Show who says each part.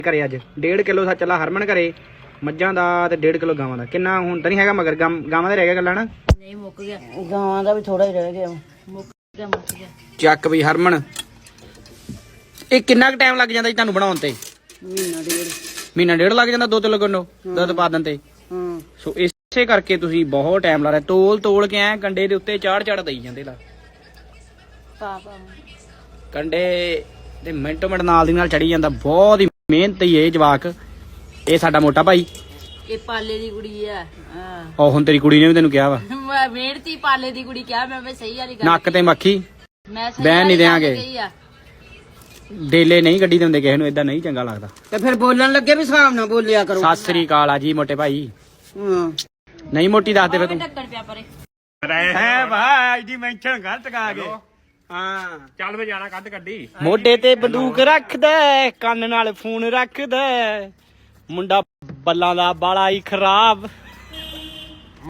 Speaker 1: ਘਰੇ ਅੱਜ 1.5 ਕਿਲੋ ਸੱਚ ਲਾ ਹਰਮਨ ਘਰੇ ਮੱਝਾਂ ਦਾ ਤੇ 1.5 ਕਿਲੋ ਗਾਵਾਂ ਦਾ। ਕਿੰਨਾ ਹੁਣ ਤਾਂ ਨਹੀਂ ਹੈਗਾ ਮਗਰ ਗਾਵਾਂ ਦਾ ਰਹਿ ਗਿਆ ਗੱਲਾਂ ਨਾ।
Speaker 2: ਨਹੀਂ ਮੁੱਕ ਗਿਆ, ਗਾਵਾਂ ਦਾ ਵੀ ਥੋੜਾ ਹੀ ਰਹਿ ਗਿਆ। ਮੁੱਕ ਗਿਆ।
Speaker 1: ਚੱਕ ਵੀ ਹਰਮਨ, ਇਹ ਕਿੰਨਾ ਕੁ ਟਾਈਮ ਲੱਗ ਜਾਂਦਾ ਜੀ ਤੁਹਾਨੂੰ ਬਣਾਉਣ ਤੇ? ਮਹੀਨਾ ਡੇਢ ਲੱਗ ਜਾਂਦਾ 2 ਕਿਲੋ ਦੁੱਧ ਪਾ ਦਿੰਦੇ। ਸੋ ਇਸੇ ਕਰਕੇ ਤੁਸੀਂ ਬਹੁਤ ਟਾਈਮ ਲਾ ਰਹੇ। ਤੋਲ ਕੇ ਐ ਕੰਡੇ ਦੇ ਉੱਤੇ ਚਾੜ ਦਈ ਜਾਂਦੇ ਲਾ ਕੰਡੇ ਤੇ ਮਿੰਟੋ ਮਿੰਟ ਨਾਲ ਦੀ ਨਾਲ ਚੜੀ ਜਾਂਦਾ। ਬਹੁਤ ਹੀ ਮਿਹਨਤੀ ਇਹ ਜਵਾਕ। ਇਹ ਸਾਡਾ ਮੋਟਾ ਭਾਈ,
Speaker 2: ਇਹ ਪਾਲੇ ਦੀ ਕੁੜੀ ਆ।
Speaker 1: ਉਹ ਹੁਣ ਤੇਰੀ ਕੁੜੀ ਨੇ ਵੀ ਤੈਨੂੰ ਕਿਹਾ ਵਾ
Speaker 2: ਮਿਹਨਤੀ ਪਾਲੇ ਦੀ ਕੁੜੀ ਕਿਹਾ ਮੈਂ ਸਹੀ ਵਾਲੀ ਗੱਲ।
Speaker 1: ਨੱਕ ਤੇ ਮੱਖੀ
Speaker 2: ਮੈਂ
Speaker 1: ਬਹਿਣ ਨਹੀਂ ਦਿਆਂਗੇ। ਡੇਲੇ ਨਹੀਂ ਗੱਡੀ ਦਿੰਦੇ ਕਿਸੇ ਨੂੰ, ਏਦਾਂ ਨਹੀਂ ਚੰਗਾ ਲੱਗਦਾ।
Speaker 3: ਤੇ ਫਿਰ ਬੋਲਣ ਲੱਗੇ ਵੀ ਹਿਸਾਬ ਨਾਲ ਬੋਲਿਆ ਕਰੋ।
Speaker 1: ਸਤਿ ਸ੍ਰੀ ਅਕਾਲ ਆ ਜੀ ਮੋਟੇ ਭਾਈ। ਨਹੀਂ ਮੋਟੀ ਦੱਸ ਦੇ ਫੇ ਤੂੰ।
Speaker 2: ਢੱਕਣ ਪਿਆ ਪਰੇ
Speaker 1: ਹੈ ਭਾਈ ਜੀ ਮੈਂਸ਼ਨ ਗਲਤ ਕਾ ਗਏ। ਹਾਂ
Speaker 4: ਚੱਲ ਵੇ ਜਾਣਾ ਕੱਢੀ
Speaker 1: ਮੋਢੇ ਤੇ ਬੰਦੂਕ ਰੱਖਦਾ, ਕੰਨ ਨਾਲ ਫੋਨ ਰੱਖਦਾ, ਮੁੰਡਾ ਬੱਲਾਂ ਦਾ ਬਾਲਾ ਹੀ ਖਰਾਬ।